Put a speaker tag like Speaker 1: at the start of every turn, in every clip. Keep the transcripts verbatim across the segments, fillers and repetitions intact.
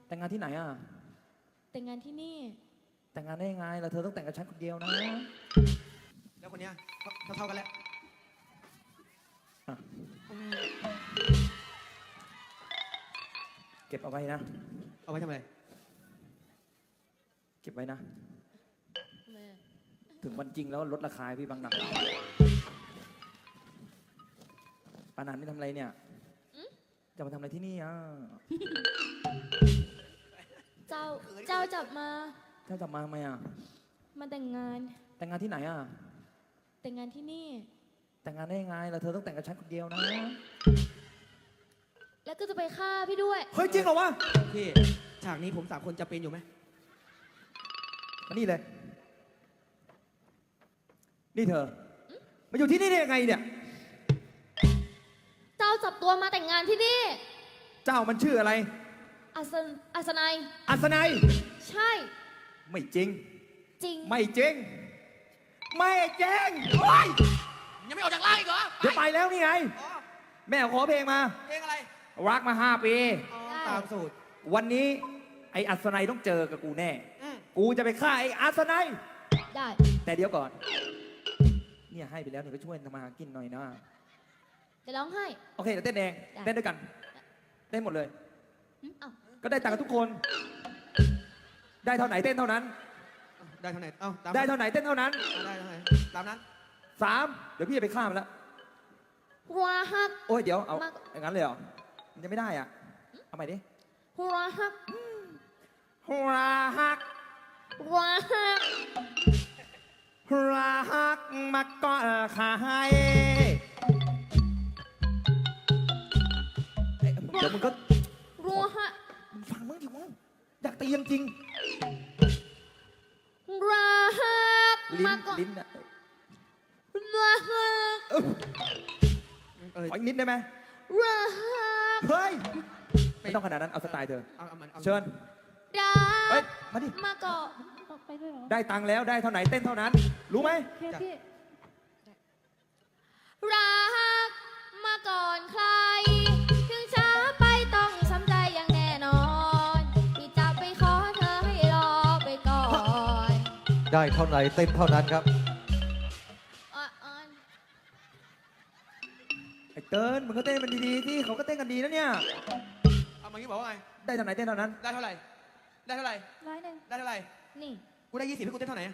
Speaker 1: แต่งงานที่ไหนอ่ะ
Speaker 2: แต่งงานที่นี่
Speaker 1: แต่งงานได้ยังไงแล้วเธอต้องแต่งกับฉันคนเดียวนะ
Speaker 3: แล้วคนเนี้ยเท่าเท่ากันแล้ว
Speaker 1: เก็บเอาไว้นะ
Speaker 3: เอาไว้ทำอะไร
Speaker 1: เก็บไว้นะถึงวันจริงแล้วลดราคาพี่บางหนักปานันนี่ทำอะไรเนี่ยจะมาทำอะไรที่นี่อ่ะ
Speaker 2: เจ้าเจ้าจับมา
Speaker 1: เจ้าจับมาทำไมอ่ะ
Speaker 2: มาแต่งงาน
Speaker 1: แต่งงานที่ไหนอ่ะ
Speaker 2: แต่งงานที่นี่
Speaker 1: แต่งงานได้ยังไงแล้วเธอต้องแต่งกับฉันคนเดียวนะ
Speaker 2: แล้วก็จะไปฆ่าพี่ด้วย
Speaker 1: เฮ้ยจริงเหรอวะ
Speaker 3: พี่ฉากนี้ผมสามคนจะเป็นอยู่ไหม
Speaker 1: มานี่เลยนี่เธอมาอยู่ที่นี่ได้ยังไงเนี่ย
Speaker 2: เจ้าจับตัวมาแต่งงานที่นี่
Speaker 1: เจ้ามันชื่ออะไร
Speaker 2: อัศนอัศนัย
Speaker 1: อัศนัย
Speaker 2: ใช่
Speaker 1: ไม่จริง
Speaker 2: จริง
Speaker 1: ไม่จริงไม่จริงโอ้ย
Speaker 3: ยังไม่ออกจากล่างอีกเหรอ
Speaker 1: จะไปแล้วนี่ไงแม่ขอเพลงมา
Speaker 3: เพลงอะไร
Speaker 1: รักมาห้าปี
Speaker 3: ตามสูตร
Speaker 1: วันนี้ไอ้อัศนัยต้องเจอกับกูแน่กูจะไปฆ่าไอ้อัศนัย
Speaker 2: ได้
Speaker 1: แต่เดี๋ยวก่อนเนี่ยให้ไปแล้วเนี่ยก็ช่วยทำมาหากินหน่อยนะ
Speaker 2: จะร้องไห้
Speaker 1: โอเคเดี๋ยวเต้นเองเต้นด้วยกันเต้นหมดเลยก็ได้ตังค์กับทุกคนได้เท่าไหนเต้นเท่านั้น
Speaker 3: ได้เท่าไหนเอ้า
Speaker 1: ได้เท่าไหนเต้นเท่านั้น
Speaker 3: ได้เท่าไหนตามนั้น
Speaker 1: สามเดี๋ยวพี่จะไปฆ่ามันแล้ว
Speaker 2: หัวหัก
Speaker 1: โอ้ยเดี๋ยวเอาอย่างนั้นเลยเหรอมันจะไม่ได้อ่ะเอาใหม่ดิ
Speaker 2: หัวหัก
Speaker 1: หัวหัก
Speaker 2: หัวหัก
Speaker 1: หัวหักมาก่อนขายเดี๋ยวมึงก็
Speaker 2: รัวฮะ
Speaker 1: มึงฟังมึงดิวะอยากตีจริง
Speaker 2: รัวฮะ
Speaker 1: ลิ้นลิ้นอะ
Speaker 2: รัวฮะ
Speaker 1: ขออีกนิดได้ไหม
Speaker 2: รัวฮะ
Speaker 1: เฮ้ยไม่ต้องขนาดนั้นเอาสไตล์เธอเชิญ
Speaker 2: ได้
Speaker 1: เฮ้ยมาดิ
Speaker 2: มาก่อนไปด้วยเหรอ
Speaker 1: ได้ตังค์แล้วได้เท่าไหนเต้นเท่านั้นรู้ไหม
Speaker 2: รักมาก่อนใครถึงช้าไปต้องช้ำใจอย่างแน่นอนพี่จะไปขอเธอให้รอไปก่อน
Speaker 4: ได้เท่าไหนเต้นเท่านั้นครับ
Speaker 1: ไอ้เติ้ลมึงก็เต้นมันดีๆที่เขาก็เต้นกันดีนะเนี่ย
Speaker 3: เอามางี้บอกว่าไง
Speaker 1: ได้เท่าไหนเต้นเท่านั้น
Speaker 3: ได้เท่าไหร่ได้เท่าไหร่
Speaker 2: ร้อยหนึ่ง
Speaker 3: ได้เท่าไหร่
Speaker 2: นี่
Speaker 3: กูได้ยี่สิบให้กูเต้นเท่าไหร่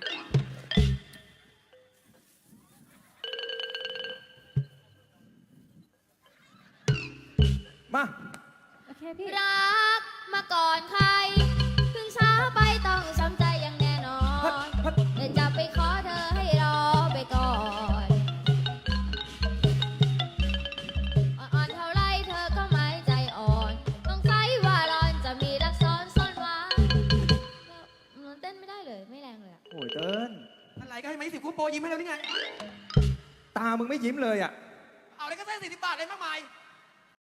Speaker 1: มา
Speaker 2: โอเคพี่รักมาก่อนใครถึงช้าไปต้องช้ำใจอย่างแน่นอนเดี๋ยวจะไปขอเธอให้รอไปก่อนอ่อนเท่าไรเธอก็ไม่ใจอ่อนต้องใช้ว่าร้อนจะมีรักซ้อนซ่อนไว้มันเต้นไม่ได้เลยไม่แรงเลย
Speaker 1: โอ้ยเติ้ล
Speaker 3: อะไรก็ให้มายี่สิบกูโปรยิ้มให้เราได้ไง
Speaker 1: ตามึงไม่ยิ้มเลยอ่ะ
Speaker 3: เอาอะไรก็เส้นสี่สิบบาทเลยมากมาย